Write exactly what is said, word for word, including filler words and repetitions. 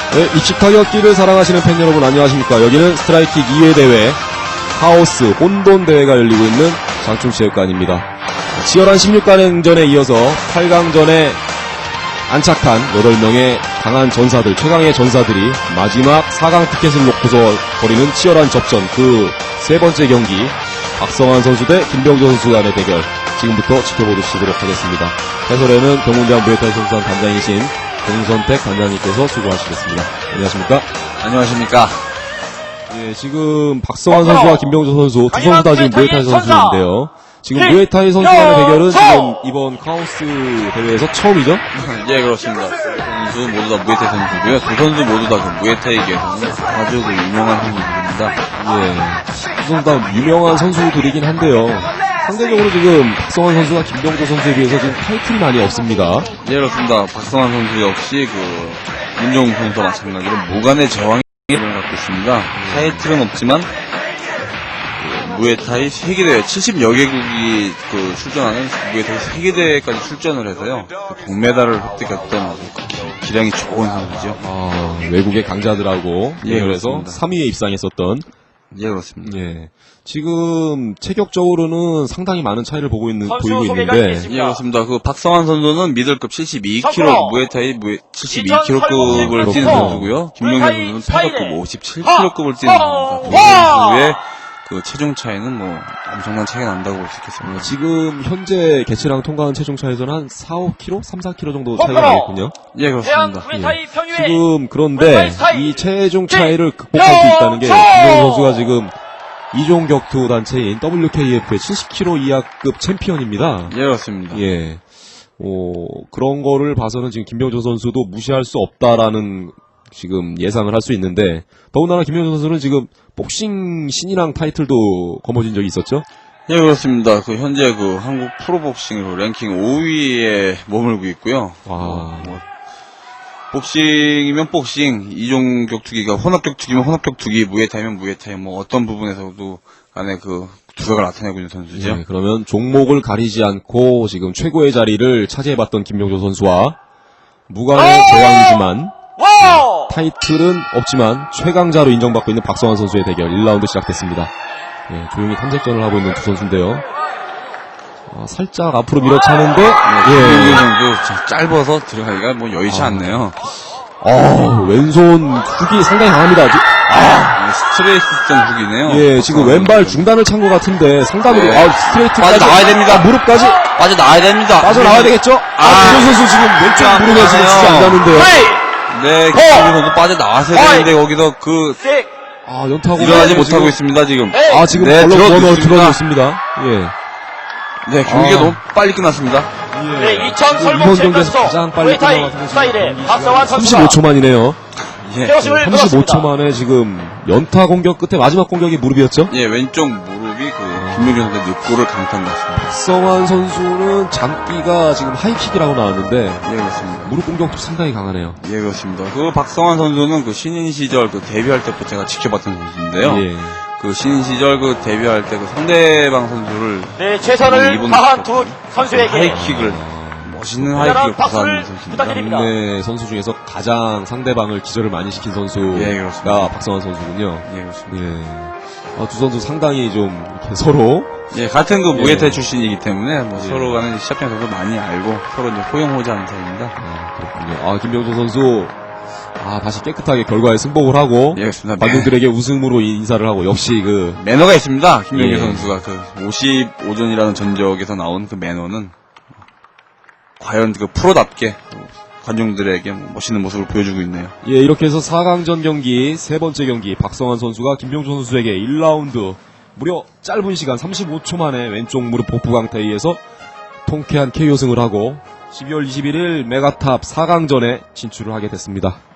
네, 입식타격기를 사랑하시는 팬 여러분 안녕하십니까. 여기는 스트라이킥 이 회 대회 하우스 혼돈 대회가 열리고 있는 장충체육관입니다. 치열한 십육 강전에 이어서 팔 강전에 안착한 여덟 명의 강한 전사들, 최강의 전사들이 마지막 사 강 티켓을 놓고서 벌이는 치열한 접전, 그 세 번째 경기 박성환 선수 대 김병조 선수 간의 대결 지금부터 지켜보시도록 하겠습니다. 해설에는 경운대학 무에타이 선수단 단장이신 공선택 단장님께서 수고하시겠습니다. 안녕하십니까? 안녕하십니까? 예, 지금 박성환 선수와 김병조 선수 두 선수 다 지금 무에타이 선수인데요. 지금 무에타이 선수 간의 대결은 지금 이번 카오스 대회에서 처음이죠? 예, 그렇습니다. 두 선수 모두 다 무에타이 선수고요. 두 선수 모두 다 그 무에타이계에서는 아주 그 유명한 선수들입니다. 예, 두 선수 다 유명한 선수들이긴 한데요. 상대적으로 지금 박성환 선수가 김병조 선수에 비해서 지금 타이틀이 많이 없습니다. 예, 그렇습니다. 박성환 선수 역시 그 문종웅 선수와 마찬가지로 무관의 제왕을 갖고 있습니다. 타이틀은 없지만 그 무에타이 세계대회 칠십여 개국이 그 출전하는 무에타이 세계대회까지 출전을 해서요. 그 동메달을 획득했던 아주 그 기, 기량이 좋은 선수죠. 아, 외국의 강자들하고 예, 대결해서 그렇습니다. 삼 위에 입상했었던. 예, 그렇습니다. 예. 지금 체격적으로는 상당히 많은 차이를 보고 있는 보이고 있는데. 예, 그렇습니다. 그 박성환 선수는 미들급 칠십이 킬로그램, 무에타이 무에 칠십이 킬로그램급을 뛰는 선수고요. 김명현 선수는 타격급 오십칠 킬로그램급을 뛰는 선수입니다. 두 선수의 그 체중 차이는 뭐 엄청난 차이가 난다고 볼 수 있겠습니다. 지금 현재 개체량 통과한 체중 차에서는 한 사, 오 킬로그램, 삼, 사 킬로그램 정도 차이가 나겠군요. 예, 그렇습니다. 예. 지금 그런데 이 체중 차이를 극복할 수 있다는 게 김명현 선수가 지금 이종 격투 단체인 더블유 케이 에프의 칠십 킬로그램 이하급 챔피언입니다. 예, 그렇습니다. 예. 오, 그런 거를 봐서는 지금 김병조 선수도 무시할 수 없다라는 지금 예상을 할 수 있는데, 더군다나 김병조 선수는 지금 복싱 신인왕 타이틀도 거머쥔 적이 있었죠? 예, 그렇습니다. 그 현재 그 한국 프로복싱으로 랭킹 오 위에 머물고 있고요. 와. 어, 뭐 복싱이면 복싱, 이종 격투기가 혼합 격투기면 혼합 격투기, 무에타이면 무에타이, 뭐 어떤 부분에서도 간에 그 두각을 나타내고 있는 선수죠. 네, 그러면 종목을 가리지 않고 지금 최고의 자리를 차지해봤던 김병조 선수와 무관의 제왕이지만 네, 타이틀은 없지만 최강자로 인정받고 있는 박성환 선수의 대결 일 라운드 시작됐습니다. 네, 조용히 탐색전을 하고 있는 두 선수인데요. 아, 살짝 앞으로 밀어차는데, 예. 선수 짧아서 들어가기가 뭐 여의치 아. 않네요. 아, 왼손 훅이 상당히 강합니다. 아, 스트레이트전 훅이네요. 예, 지금 왼발 중단을 찬 것 같은데 상당히 네. 아, 스트레이트까지 빠져 나와야 됩니다. 아, 무릎까지 빠져 나와야 됩니다. 빠져 나와야 되겠죠? 아, 아, 김현 선수 지금 왼쪽 무릎에 지금 진짜 안 닿는데요. 네, 김현 선수 빠져 나왔어야 되는데 거기서 그 아, 연타고 일어나지 못하고 있습니다 지금. 아, 지금 네, 걸로 들어줬습니다. 들어줬습니다. 예. 네, 경기가 아. 너무 빨리 끝났습니다. 예. 네, 이천 이번 경기에서 가장 빨리 끝나가서 삼십오 초 만이네요. 예, 삼십오 초 만에 지금 연타 공격 끝에 마지막 공격이 무릎이었죠? 예, 왼쪽 무릎이 그 김명준 선수의 늑골을 강타한 것 같습니다. 박성환 선수는 장기가 지금 하이킥이라고 나왔는데 예, 그렇습니다. 무릎 공격도 상당히 강하네요. 예, 그렇습니다. 그 박성환 선수는 그 신인 시절 그 데뷔할 때부터 제가 지켜봤던 선수인데요. 예. 그 신인 시절 그 데뷔할 때 그 상대방 선수를 네, 최선을 다한 두 선수에게 하이킥을 멋있는 하이킥을 구사하는 선수입니다. 국내 선수 중에서 가장 상대방을 기절을 많이 시킨 선수가 예, 그렇습니다. 박성환 선수군요. 예, 그렇습니다. 예. 아, 두 선수 상당히 좀 이렇게 서로 예, 같은 그 예. 무에타이 출신이기 때문에 뭐 예. 서로 간에 시합장에서도 많이 알고 서로 이제 호영호재하는 사이입니다. 아, 그렇군요. 아, 김병조 선수 아, 다시 깨끗하게 결과에 승복을 하고 예, 그렇습니다. 관중들에게 우승으로 인사를 하고 역시 그 매너가 있습니다. 김명규 예. 선수가 그 오십오 전이라는 전적에서 나온 그 매너는 과연 그 프로답게 관중들에게 멋있는 모습을 보여주고 있네요. 예, 이렇게 해서 사 강전 경기 세 번째 경기 박성환 선수가 김병조 선수에게 일 라운드 무려 짧은 시간 삼십오 초 만에 왼쪽 무릎 복부 강타에 의해서 통쾌한 케이오 승을 하고 십이월 이십일일 메가탑 사 강전에 진출을 하게 됐습니다.